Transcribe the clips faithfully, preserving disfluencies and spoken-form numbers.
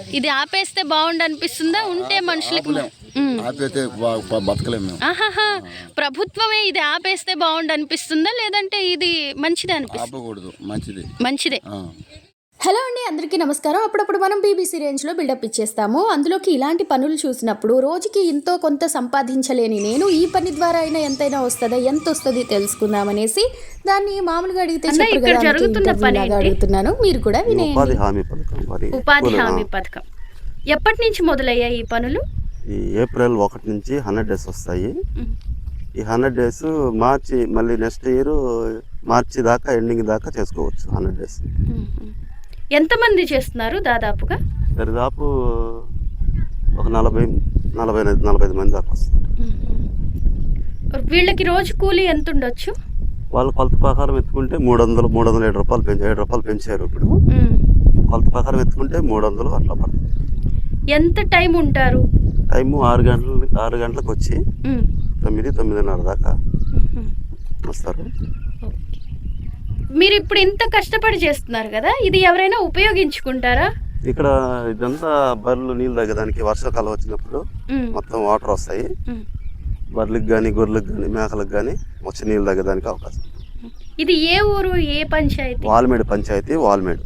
ఇది ఆపేస్తే బాగుండు అనిపిస్తుందా? ఉంటే మనుషులకి ఆపేస్తే బతకలేము మేము. ఆహాహా, ప్రభుత్వమే ఇది ఆపేస్తే బాగుండు అనిపిస్తుందా, లేదంటే ఇది మంచిదే అనిపిస్తుంది? ఆపకూడదు, మంచిది మంచిదే. హలో అండి, అందరికీ నమస్కారం. అప్పుడప్పుడు మనం బీబీసీ రేంజ్లో బిల్డప్ ఇచ్చేస్తాము. అందులోకి ఇలాంటి పనులు చూసినప్పుడు రోజుకి ఎంతో కొంత సంపాదించలేని నేను ఈ పని ద్వారా అయినా ఎంతైనా వస్తుందా, ఎంత వస్తుంది తెలుసుకుందామనేసి దాన్ని మామూలుగా అడిగితే అడుగుతున్నాను. మీరు కూడా వినేయండి. ఉపాధి హామీ పథకం ఎప్పటి నుంచి మొదలయ్యాయి ఈ పనులు? ఈ ఏప్రిల్ ఒకటి నుంచి హండ్రెడ్ డేస్ వస్తాయి. ఈ హండ్రెడ్ డేస్ మార్చి మళ్ళీ నెక్స్ట్ ఇయర్ మార్చి దాకా ఎండింగ్ దాకా చేసుకోవచ్చు. హండ్రెడ్ డేస్ ఎంతమంది చేస్తున్నారు దాదాపుగా? దరిదాపు ఒక నలభై నలభై నలభై ఐదు మంది దాకా వస్తారు. వీళ్ళకి రోజు కూలీ ఎంత ఉండొచ్చు? వాళ్ళు కొలత ప్రకారం ఎత్తుకుంటే మూడు వందలు మూడు వందల ఏడు రూపాయలు పెంచారు ఏడు రూపాయలు పెంచారు ఇప్పుడు. కొలత ప్రకారం ఎత్తుకుంటే మూడు వందలు అట్లా పడుతుంది. ఎంత టైం ఉంటారు? టైము ఆరు గంటలు ఆరు గంటలకు వచ్చి తొమ్మిది తొమ్మిదిన్నర దాకా వస్తారు. మీరు ఇప్పుడు ఇంత కష్టపడి చేస్తున్నారు కదా, ఇది ఎవరైనా ఉపయోగించుకుంటారా? ఇక్కడ ఇదంతా బర్రెలు నీళ్ళు తగ్గడానికి వర్షాకాలం వచ్చినప్పుడు మొత్తం వాటర్ వస్తాయి. బర్రెలకు కానీ గొర్రెలకు కానీ మేకలకు కానీ వచ్చి నీళ్ళు తగ్గడానికి అవకాశం. ఇది ఏ ఊరు, ఏ పంచాయతీ? వాల్మేడు పంచాయతీ, వాల్మేడు.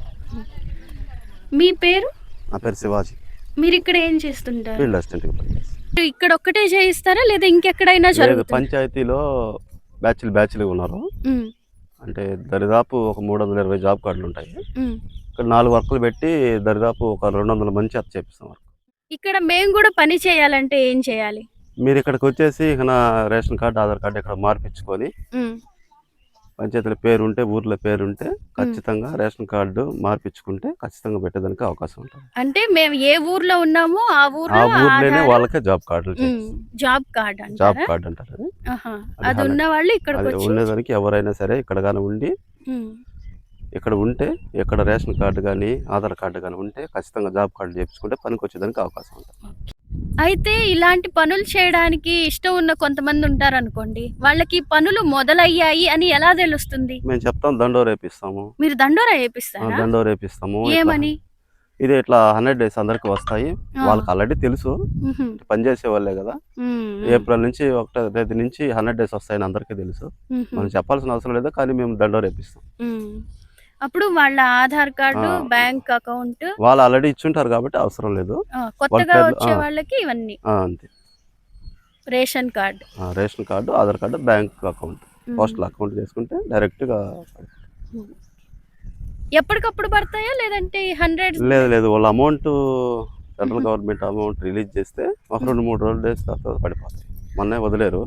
మీ పేరు? నా పేరు శివాజీ. మీరు ఇక్కడ ఏం చేస్తుంటారు? Field assistant. ఇక్కడ ఒక్కటే చేయిస్తారా లేదా ఇంకెక్కడైనా? పంచాయతీలో బ్యాచ్లు బ్యాచ్లు ఉన్నారు. అంటే దరిదాపు ఒక మూడు వందల ఇరవై జాబ్ కార్డులు ఉంటాయి. ఇక్కడ నాలుగు వర్కులు పెట్టి దరిదాపు ఒక రెండు వందల మంచి అత్త చేపిస్తాం. ఇక్కడ మేము కూడా పని చేయాలంటే ఏం చేయాలి? మీరు ఇక్కడికి వచ్చేసి ఇక నా రేషన్ కార్డు, ఆధార్ కార్డు ఇక్కడ మార్పించుకొని పంచాయతీల పేరు ఉంటే, ఊర్లో పేరు ఉంటే ఖచ్చితంగా రేషన్ కార్డు మార్పించుకుంటే ఖచ్చితంగా పెట్టేదానికి అవకాశం ఉంటుంది. అంటే మేము ఏ ఊర్లో ఉన్నామో ఆ ఊర్లో ఆ ఊర్లోనే వాళ్ళకే జాబ్ కార్డులు జాబ్ కార్డు జాబ్ కార్డు అంటారు. అది ఉన్న వాళ్ళు ఇక్కడ ఉండేదానికి ఎవరైనా సరే ఇక్కడ కానీ ఉండి ఇక్కడ ఉంటే ఇక్కడ రేషన్ కార్డు కానీ ఆధార్ కార్డు కానీ ఉంటే ఖచ్చితంగా జాబ్ కార్డు చేయించుకుంటే పనికి వచ్చేదానికి అవకాశం ఉంటుంది. అయితే ఇలాంటి పనులు చేయడానికి ఇష్టం ఉన్న కొంతమంది ఉంటారు అనుకోండి, వాళ్ళకి పనులు మొదలయ్యాయి అని ఎలా తెలుస్తుంది? మేము చెప్తాం, దండోర వేపిస్తాము. మీరు దండోర వేపిస్తారా? దండోర వేపిస్తాము. ఏమని? ఇది ఇట్లా హండ్రెడ్ డేస్ అందరికి వస్తాయి. వాళ్ళకి ఆల్రెడీ తెలుసు, పనిచేసే వాళ్ళే కదా. ఏప్రిల్ నుంచి ఒకటో తేదీ నుంచి హండ్రెడ్ డేస్ వస్తాయని అందరికీ తెలుసు. మనం చెప్పాల్సిన అవసరం లేదు, కానీ మేము దండోర వేపిస్తాం. అప్పుడు వాళ్ళ ఆధార్ కార్డు, బ్యాంక్ అకౌంట్ వాళ్ళు ఆల్రెడీ ఇచ్చుంటారు కాబట్టి అవసరం లేదు. కొత్తగా వచ్చే వాళ్ళకి ఇవన్నీ అంతే. Ration card, ration card, Aadhaar card, bank account, postal account చేసుకుంటే డైరెక్ట్ గా. ఎప్పటికప్పుడు పడతాయా లేదంటే హండ్రెడ్? లేదు లేదు, వాళ్ళ amount central government amount release చేస్తే ఒక రెండు మూడు రోజులు డేస్ తర్వాత పడిపోతాయి. మొన్నే వదిలేరు.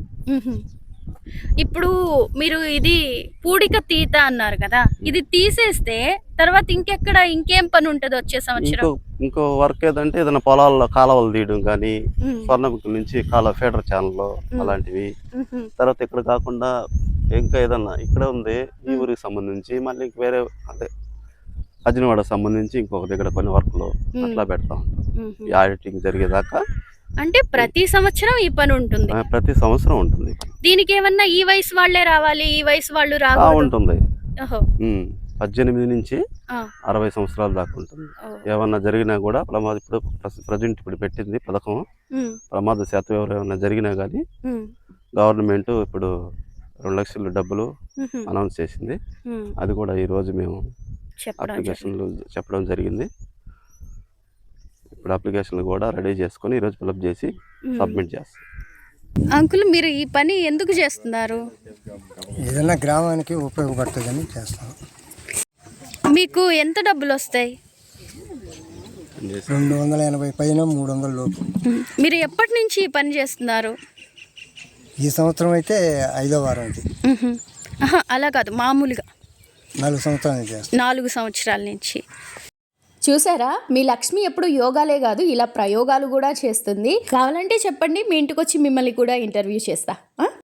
ఇప్పుడు మీరు ఇది పూడిక తీత అన్నారు కదా, ఇది తీసేస్తే తర్వాత ఇంకెక్కడ ఇంకేం పని ఉంటుంది వచ్చే సంవత్సరం? ఇంకో వర్క్ ఏదంటే ఏదైనా పొలాల్లో కాలువలు తీయడం కానీ, స్వర్ణముఖి నుంచి కాలువ ఫీడర్ ఛానల్ అలాంటివి. తర్వాత ఇక్కడ కాకుండా ఇంకా ఏదన్నా ఇక్కడ ఉంది ఈ ఊరికి సంబంధించి మళ్ళీ వేరే అదే అజినవాడకు సంబంధించి ఇంకొక దగ్గర కొన్ని వర్క్లు అట్లా పెడతా ఉంటాం. ఈ ఆడిటింగ్ జరిగేదాకా. అంటే ప్రతి సంవత్సరం ఈ పని ఉంటుంది? ప్రతి సంవత్సరం ఉంటుంది. దీనికి ఏమన్నా ఈ వయసు వాళ్ళే రావాలి, ఈ వయసు వాళ్ళు రావాలి? ఉంటుంది. పద్దెనిమిది నుంచి అరవై సంవత్సరాల దాకా ఉంటుంది. ఏమన్నా జరిగినా కూడా ప్రమాద, ఇప్పుడు ప్రజెంట్ ఇప్పుడు పెట్టింది పథకం, ప్రమాద శాతం ఎవరైనా జరిగినా కానీ గవర్నమెంట్ ఇప్పుడు రెండు లక్షల డబ్బులు అనౌన్స్ చేసింది. అది కూడా ఈ రోజు మేము అప్లికేషన్లు చెప్పడం జరిగింది. ఇప్పుడు అప్లికేషన్లు కూడా రెడీ చేసుకొని ఈరోజు ఫిలప్ చేసి సబ్మిట్ చేస్తాం. అంకుల్, మీరు ఈ పని ఎందుకు చేస్తున్నారు? ఏదైనా గ్రామానికి ఉపయోగపడుతుందని చేస్తాం. మీకు ఎంత డబ్బులు వస్తాయి? రెండు వందల ఎనభై పైన మూడు వందల లోపు. మీరు ఎప్పటి నుంచి ఈ పని చేస్తున్నారు? ఈ సంవత్సరం అయితే ఐదో వారం ఇది. అలా కాదు, మామూలుగా నాలుగు సంవత్సరాల నుంచి. నాలుగు సంవత్సరాల నుంచి. చూసారా, మీ లక్ష్మి ఎప్పుడు యోగాలే కాదు ఇలా ప్రయోగాలు కూడా చేస్తుంది. కావాలంటే చెప్పండి, మీ ఇంటికి వచ్చి మిమ్మల్ని కూడా ఇంటర్వ్యూ చేస్తా.